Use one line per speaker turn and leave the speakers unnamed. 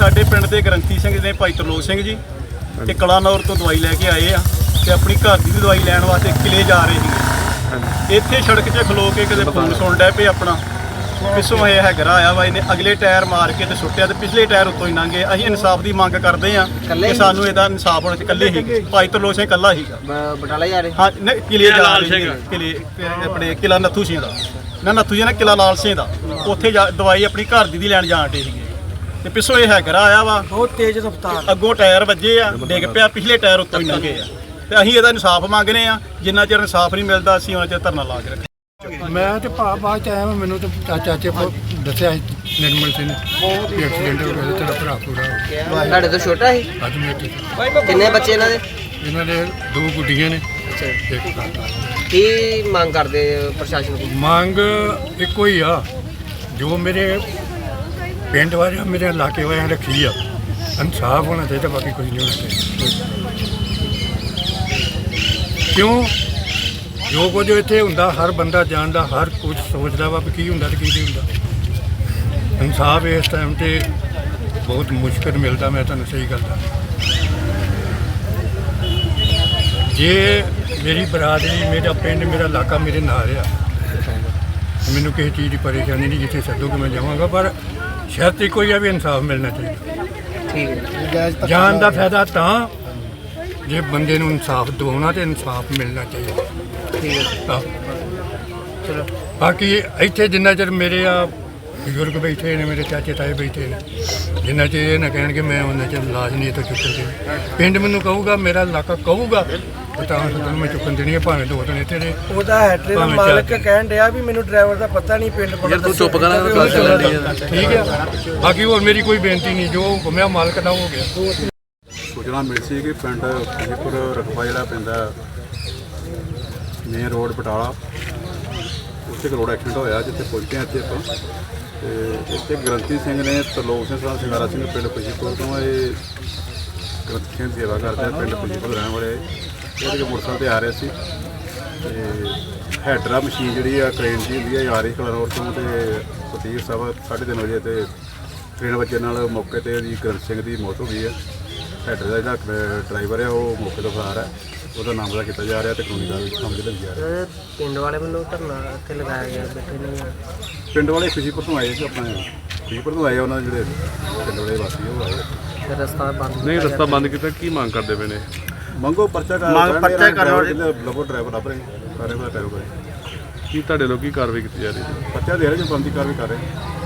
ਸਾਡੇ ਪਿੰਡ ਦੇ ਗ੍ਰੰਥੀ ਸਿੰਘ ਨੇ ਭਾਈ ਤਰਲੋਕ ਸਿੰਘ ਜੀ ਤੇ ਕਲਾਨੌਰ ਤੋਂ ਦਵਾਈ ਲੈ ਕੇ ਆਏ ਆ ਤੇ ਆਪਣੀ ਘਰ ਦੀ ਵੀ ਦਵਾਈ ਲੈਣ ਵਾਸਤੇ ਕਿਲੇ ਜਾ ਰਹੇ ਸੀਗੇ। ਇੱਥੇ ਸੜਕ 'ਚ ਖਲੋ ਕੇ ਕਿਤੇ ਫੋਨ ਸੁਣ ਡੈ ਪਏ ਆਪਣਾ, ਪਿੱਛੋਂ ਇਹ ਹੈਗਰਾ ਆਇਆ ਵਾ, ਇਹਨੇ ਅਗਲੇ ਟਾਇਰ ਮਾਰ ਕੇ ਤੇ ਸੁੱਟਿਆ ਤੇ ਪਿਛਲੇ ਟਾਇਰ ਉੱਤੋਂ ਹੀ ਲੰਘੇ। ਅਸੀਂ ਇਨਸਾਫ ਦੀ ਮੰਗ ਕਰਦੇ ਆ ਕਿ ਸਾਨੂੰ ਇਹਦਾ ਇਨਸਾਫ ਹੋਣਾ ਚਾਹੀਦਾ। ਇਕੱਲੇ ਹੀ ਭਾਈ ਤਰਲੋਕ ਸਿੰਘ ਇਕੱਲਾ ਸੀਗਾ।
ਬਟਾਲਾ ਜਾ ਰਹੇ?
ਹਾਂ ਨਹੀਂ, ਕਿਲੇ ਜਾ ਰਹੇ ਸੀਗੇ। ਕਿਲੇ ਆਪਣੇ ਕਿਲਾ ਨੱਥੂ ਸਿੰਘ ਦਾ ਨੱਥੂ ਜੀ ਨੇ ਕਿਲਾ ਲਾਲ ਸਿੰਘ ਦਾ, ਉੱਥੇ ਦਵਾਈ ਆਪਣੀ ਘਰ ਦੀ ਲੈਣ ਜਾਣ ਡੇ ਸੀਗੇ ਤੇ ਪਿੱਛੋਂ ਇਹ ਹੈਗਰਾ ਆਇਆ ਵਾ, ਬਹੁਤ ਤੇਜ਼ ਰਫ਼ਤਾਰ, ਅੱਗੋਂ ਟਾਇਰ ਵੱਜੇ ਆ, ਡਿੱਗ ਪਿਆ, ਪਿਛਲੇ ਟਾਇਰ ਉੱਤੋਂ ਹੀ ਲੰਘੇ ਆ ਤੇ ਅਸੀਂ ਇਹਦਾ ਇਨਸਾਫ ਮੰਗਦੇ ਆ। ਜਿੰਨਾ ਚਿਰ ਇਨਸਾਫ ਨਹੀਂ ਮਿਲਦਾ ਅਸੀਂ ਉਹਨਾਂ ਚਿਰ ਧਰਨਾ ਲਾ ਕੇ ਰੱਖਾਂਗੇ।
ਮੈਂ ਤੇ ਬਾਅਦ ਚ ਆਇਆ, ਮੈਨੂੰ ਤੇ ਚਾਚੇ ਦੱਸਿਆ ਨਿਰਮਲ ਸਿੰਘ ਵੀ ਐਕਸੀਡੈਂਟ ਹੋ ਗਿਆ, ਤੇਰਾ ਭਰਾ ਪੂਰਾ ਹੋ ਗਿਆ।
ਤੁਹਾਡੇ ਤੋਂ ਛੋਟਾ ਸੀ?
ਅੱਜ ਮੇਰੇ
ਕਿੰਨੇ ਬੱਚੇ
ਇਹਨਾਂ ਦੇ 2 ਗੁੱਡੀਆਂ ਨੇ।
ਅੱਛਾ,
ਇੱਕ ਕਾਕਾ।
ਕੀ ਮੰਗ ਕਰਦੇ ਪ੍ਰਸ਼ਾਸਨ ਕੋਲ?
ਮੰਗ ਇੱਕੋ ਹੀ ਆ, ਜੋ ਮੇਰੇ ਪਿੰਡ ਵਾਲਿਆਂ ਮੇਰੇ ਇਲਾਕੇ ਵਾਲਿਆਂ ਰੱਖੀ ਆ, ਇਨਸਾਫ ਹੋਣਾ ਚਾਹੀਦਾ, ਬਾਕੀ ਕੁਝ ਨਹੀਂ ਹੋਣਾ ਚਾਹੀਦਾ। ਕਿਉਂ ਜੋ ਕੁਝ ਇੱਥੇ ਹੁੰਦਾ ਹਰ ਬੰਦਾ ਜਾਣਦਾ, ਹਰ ਕੁਝ ਸੋਚਦਾ ਵਾ ਵੀ ਕੀ ਹੁੰਦਾ ਤੇ ਕੀ ਨਹੀਂ ਹੁੰਦਾ। ਇਨਸਾਫ ਇਸ ਟਾਈਮ 'ਤੇ ਬਹੁਤ ਮੁਸ਼ਕਿਲ ਮਿਲਦਾ, ਮੈਂ ਤੁਹਾਨੂੰ ਸਹੀ ਗੱਲ ਦੱਸਾਂ। ਜੇ ਮੇਰੀ ਬਰਾਦਰੀ, ਮੇਰਾ ਪਿੰਡ, ਮੇਰਾ ਇਲਾਕਾ ਮੇਰੇ ਨਾਲ ਆ, ਮੈਨੂੰ ਕਿਸੇ ਚੀਜ਼ ਦੀ ਪਰੇਸ਼ਾਨੀ ਨਹੀਂ, ਜਿੱਥੇ ਸੱਦੋਗੇ ਮੈਂ ਜਾਵਾਂਗਾ, ਪਰ ਸ਼ਰਤ ਇੱਕੋ ਹੀ ਆ ਵੀ ਇਨਸਾਫ ਮਿਲਣਾ ਚਾਹੀਦਾ।
ਠੀਕ ਹੈ।
ਜਾਨ ਦਾ ਫਾਇਦਾ ਤਾਂ ਜੇ ਬੰਦੇ ਨੂੰ ਇਨਸਾਫ ਦਿਵਾਉਣਾ ਤੇ ਇਨਸਾਫ ਮਿਲਣਾ ਚਾਹੀਦਾ।
ਠੀਕ ਹੈ, ਚਲੋ।
ਬਾਕੀ ਇੱਥੇ ਜਿੰਨਾ ਚਿਰ ਮੇਰੇ ਆ ਬਜ਼ੁਰਗ ਬੈਠੇ ਨੇ, ਮੇਰੇ ਚਾਚੇ ਤਾਏ ਬੈਠੇ ਨੇ, ਜਿੰਨਾ ਚਿਰ ਇਹ ਨਾ ਕਹਿਣਗੇ ਮੈਂ ਉਹਨਾਂ ਚਿਰ ਲਾਸ਼ ਨਹੀਂ ਇੱਥੋਂ ਚੁੱਕਣ ਦੇਣੀ। ਪਿੰਡ ਮੈਨੂੰ ਕਹੂਗਾ, ਮੇਰਾ ਇਲਾਕਾ ਕਹੂਗਾ ਤਾਂ ਤੁਹਾਨੂੰ ਮੈਂ ਚੁੱਕਣ ਦੇਣੀ ਹੈ, ਭਾਵੇਂ 2 ਦਿਨ ਇੱਥੇ ਨੇ।
ਉਹਦਾ ਹੈਟਰੇ ਦਾ ਮਾਲਕ ਕਹਿਣ ਡਿਆ ਵੀ ਮੈਨੂੰ ਡਰਾਈਵਰ ਦਾ ਪਤਾ ਨਹੀਂ, ਪਿੰਡ ਕੋਲ
ਤੂੰ ਚੁੱਪ ਕਰਾਂ।
ਠੀਕ ਹੈ, ਬਾਕੀ ਹੋਰ ਮੇਰੀ ਕੋਈ ਬੇਨਤੀ ਨਹੀਂ, ਜੋ ਘੁੰਮਿਆ ਮਾਲਕ ਦਾ ਹੋ ਗਿਆ।
ਸੂਚਨਾ ਮਿਲੀ ਸੀ ਕਿ ਪਿੰਡ ਖੁਸ਼ੀਪੁਰ ਰਕਬਾ ਜਿਹੜਾ ਪੈਂਦਾ ਮੇਨ ਰੋਡ ਬਟਾਲਾ, ਉੱਥੇ ਇੱਕ ਰੋਡ ਐਕਸੀਡੈਂਟ ਹੋਇਆ, ਜਿੱਥੇ ਪਹੁੰਚੇ ਹਾਂ ਇੱਥੇ ਆਪਾਂ। ਤੇ ਇੱਥੇ ਗ੍ਰੰਥੀ ਸਿੰਘ ਨੇ ਤਰਲੋਕ ਸਿੰਘ ਸਾਹਿਬ ਸਿੰਘਾਰਾ ਸਿੰਘ ਪਿੰਡ ਖੁਸ਼ੀਪੁਰ ਤੋਂ, ਇਹ ਗ੍ਰੰਥੀ ਸਿੰਘ ਸੇਵਾ ਕਰਦੇ ਆ, ਪਿੰਡ ਖੁਸ਼ੀਪੁਰ ਰਹਿਣ ਵਾਲੇ। ਇਹਦੇ ਮੋਟਰਸਾਈਕਲ 'ਤੇ ਆ ਰਹੇ ਸੀ ਤੇ ਹੈਡਰਾ ਮਸ਼ੀਨ ਜਿਹੜੀ ਆ ਕ੍ਰੇਨ ਦੀ ਹੁੰਦੀ ਆ, ਆ ਰਹੀ ਕਲਾਨੌਰ ਤੋਂ, ਤੇ ਸਤੀਰ ਸਾਹਿਬ 3:30 ਵਜੇ ਤੇ ਟ੍ਰੇਨ ਵੱਜਣ ਨਾਲ ਮੌਕੇ 'ਤੇ ਉਹਦੀ ਗ੍ਰੰਥੀ ਸਿੰਘ ਦੀ ਮੌਤ ਹੋ ਗਈ ਹੈ। ਹੈਡਰ ਦਾ ਜਿਹੜਾ ਡਰਾਈਵਰ ਹੈ ਉਹ ਮੌਕੇ ਤੋਂ ਫਰਾਰ ਹੈ, ਉਹਦਾ ਨਾਮ ਦਾ ਕੀਤਾ ਜਾ ਰਿਹਾ ਤੇ ਕਾਨੂੰਨੀ ਕਾਰਵਾਈ ਸਮਝ ਲਈ ਜਾ ਰਹੀ।
ਪਿੰਡ ਵਾਲੇ ਵੱਲੋਂ ਧਰਨਾ ਇੱਥੇ ਲਗਾਇਆ ਗਿਆ, ਬੈਠੇ ਨੇ।
ਪਿੰਡ ਵਾਲੇ ਖੁਸ਼ੀਪੁਰ ਤੋਂ ਆਏ ਸੀ, ਆਪਣੇ ਖੁਸ਼ੀਪੁਰ ਤੋਂ ਆਏ, ਉਹਨਾਂ ਦੇ ਜਿਹੜੇ ਪਿੰਡ ਵਾਲੇ ਵਾਸੀ ਉਹ ਆਏ।
ਤੇ ਰਸਤਾ ਬੰਦ
ਨਹੀਂ, ਰਸਤਾ ਬੰਦ ਕੀਤਾ, ਕੀ ਮੰਗ ਕਰਦੇ ਪਏ ਨੇ?
ਮੰਗੋ ਪਰਚਾ ਕਰ ਲੱਭੋ ਡਰਾਈਵਰ ਲੱਭ ਰਹੇ ਕਰ ਰਹੇ ਟੈਰੋ ਕਰੇ।
ਕੀ ਤੁਹਾਡੇ ਲੋਕ ਕੀ ਕਾਰਵਾਈ ਕੀਤੀ ਜਾ ਰਹੀ ਹੈ?
ਪਰਚਾ ਦੇ ਰਹੇ ਜੋ ਬੰਦੀ ਕਾਰਵਾਈ ਕਰ ਰਹੇ।